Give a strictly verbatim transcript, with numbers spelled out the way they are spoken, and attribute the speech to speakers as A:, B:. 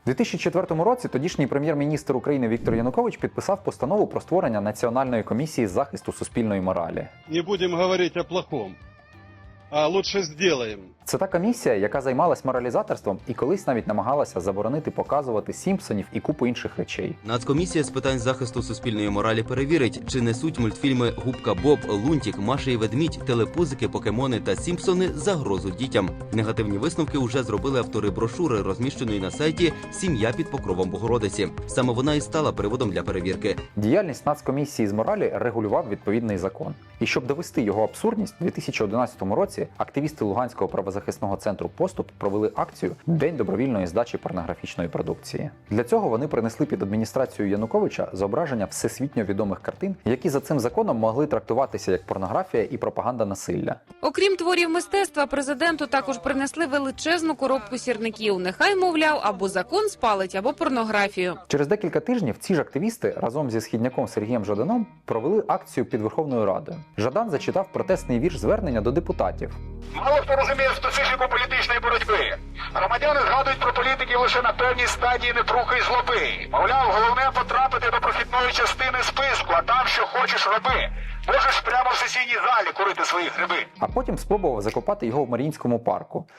A: дві тисячі четвертому році тодішній прем'єр-міністр України Віктор Янукович підписав постанову про створення Національної комісії з захисту суспільної моралі.
B: Не будем говорить о плохом, а лучше сделаем.
A: Це та комісія, яка займалась моралізаторством і колись навіть намагалася заборонити показувати Сімпсонів і купу інших речей.
C: Нацкомісія з питань захисту суспільної моралі перевірить, чи несуть мультфільми «Губка Боб», «Лунтік», «Маша і ведмідь», «Телепузики», «Покемони» та «Сімпсони» загрозу дітям. Негативні висновки вже зробили автори брошури, розміщеної на сайті «Сім'я під покровом Богородиці». Саме вона і стала приводом для перевірки.
A: Діяльність Нацкомісії з моралі регулював відповідний закон. І щоб довести його абсурдність, у дві тисячі одинадцятому році активісти Луганського правозахисного центру «Поступ» провели акцію «День добровільної здачі порнографічної продукції». Для цього вони принесли під адміністрацію Януковича зображення всесвітньо відомих картин, які за цим законом могли трактуватися як порнографія і пропаганда насилля.
D: Окрім творів мистецтва, президенту також принесли величезну коробку сірників. Нехай, мовляв, або закон спалить, або порнографію.
A: Через декілька тижнів ці ж активісти разом зі східняком Сергієм Жаданом провели акцію під Верховною Радою. Жадан зачитав протестний вірш звернення до депутатів.
E: Мало хто розуміє специфіку політичної боротьби. Громадяни згадують про політиків лише на певній стадії нетрухи й злоби. Мовляв, головне потрапити до прохідної частини списку, а там що хочеш роби. Можеш прямо в сесійній залі курити свої гриби.
A: А потім спробував закопати його в Маріїнському парку.